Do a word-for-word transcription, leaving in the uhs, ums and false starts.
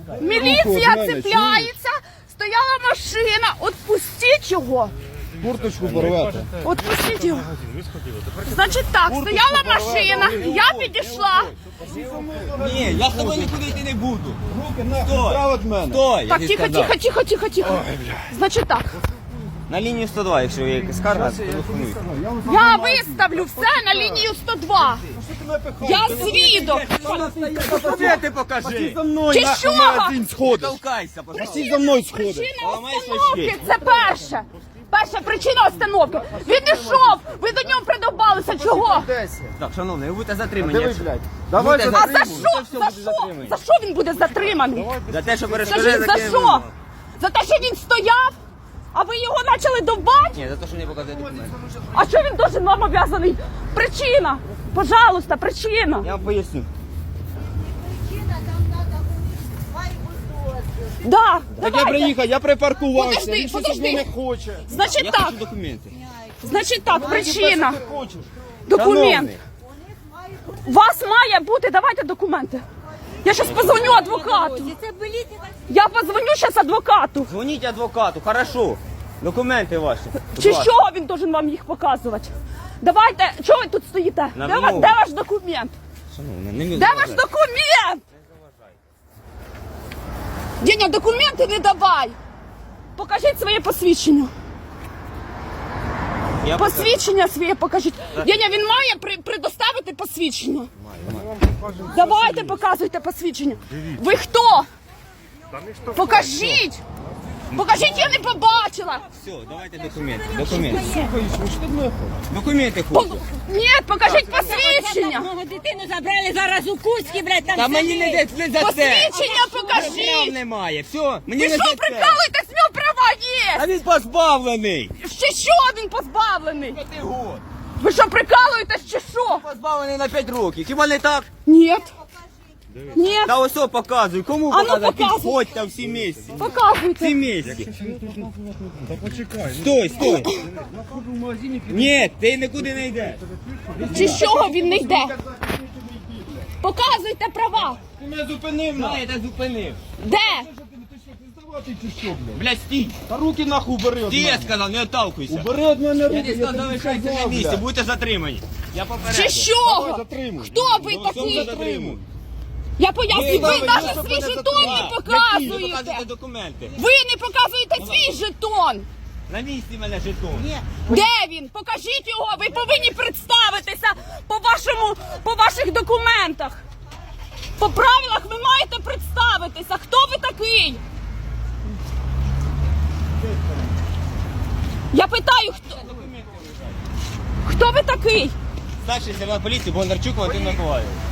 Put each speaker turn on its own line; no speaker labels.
Міліція цепляється, стояла машина, отпустіть його.
Курточку порвете.
Отпустіть його. Значить так, стояла машина, я підійшла.
Ні, я з тобою нікуди йти не буду.
Руки нахуй справа від мене.
Стой, я
Так,
тобі
тихо,
сказав.
тихо, тихо, тихо, тихо. Значить так,
На лінію сто два, якщо є якась скарга, телефонуй.
я виставлю все на лінію сто два. Я свідок.
Документи покажи.
За мною
Чи
нахуй
що?
магазин сходиш.
Толкайся, пожалуйста.
Всі за мною сходиш.
Причина
Ламай
остановки
свої
– це перше. Перша причина остановки. Він ішов, ви до нього придобалися. Чого?
Так, шановний, ви будете затримані.
Диви,
якщо-
блядь. Давай
Будете
А
за
за
затримані.
що?
все
За
буде
що?
затримані.
За що він буде затриманий?
За те, що перешкоджає
Скажіть, за
законним
що?
вимогам.
За те, що він стояв? А ви його почали довбати?
Ні, за те, що не показує документи.
А що він дуже вам обов'язаний? Причина. Пожалуйста, причина.
Я вам поясню.
Да,
Так я
давайте.
приїхав, я припаркувався.
Подожди,
Він щось
подожди.
від мене хоче.
Значить
Я
так,
хочу документи.
значить так, причина.
Ти хочеш?
Документ.
Шановний.
У вас має бути, давайте документи. Я зараз позвоню адвокату. Я позвоню зараз адвокату.
Дзвоніть адвокату, хорошо. Документи ваші. Будь
Чи
ласка.
що він должен вам їх показувати? Давайте, чого ви тут стоїте?
На
Де, ва-
вимогу.
де ваш документ?
Шановний, не
Де ваш документ? Деня, документи не давай. Покажіть своє посвідчення.
Я покажу.
Посвідчення своє покажіть. Деня, він має при, предоставити посвідчення. Давайте показуйте посвідчення. Ви хто? Покажіть. Покажіть, я не побачила.
Все, давайте документи. Документи.
Слухай, що ти мене хочеш?
Документи
По-
хочу.
Ні, покажіть посвідчення.
Мого дитину забрали зараз у Кузькі, блядь, там
Та мені не
сидить.
де не за це.
Посвідчення
Прав
покажіть.
немає. Все, мені
Ви
не
що,
за це.
прикалуєтесь, в нього права є?
А він позбавлений.
Ще що він позбавлений?
П'яти год.
Ви що, прикалуєтесь чи що?
Позбавлений на п'ять років. Хіба не так?
Ні. Ні.
Та ось о, показуй. Кому
А ну,
показати?
показуй.
Підходьте всі місці. Всі
Показуйте.
місці.
Та почекай.
Стой, стой. Ні, ти нікуди не йдеш.
Чи з чого він не йде? Показуйте права.
Ти мене зупинив
Да,
нахуй.
я тебе зупинив.
Де?
Здавати чи що, блядь?
Блядь, стій.
Та руки нахуй убери від
Ти я
мене.
сказав, не отталкуйся.
Убери від мене
Я
руки,
не
я
сказав,
тобі
залишайся на
сказав,
місці,
блядь.
будете затримані. Я
Чи
попереджу.
Давай,
що?
затримуй.
Хто ви
До всього
такі?
затримуй.
Я поясню,
Ви
ви
давай,
навіть
ви
свій
мене
жетон
затримали.
не
Ви показуєте
показуєте.
документи.
Ви не показуєте свій жетон.
На місці мене жетон.
Де він? Покажіть його. Ви повинні представитися по вашому, по ваших документах. По правилах ви маєте представитися. Хто ви такий? Я питаю, хто, хто ви такий?
Старший сержант поліції Бондарчук Валентин Миколаївич.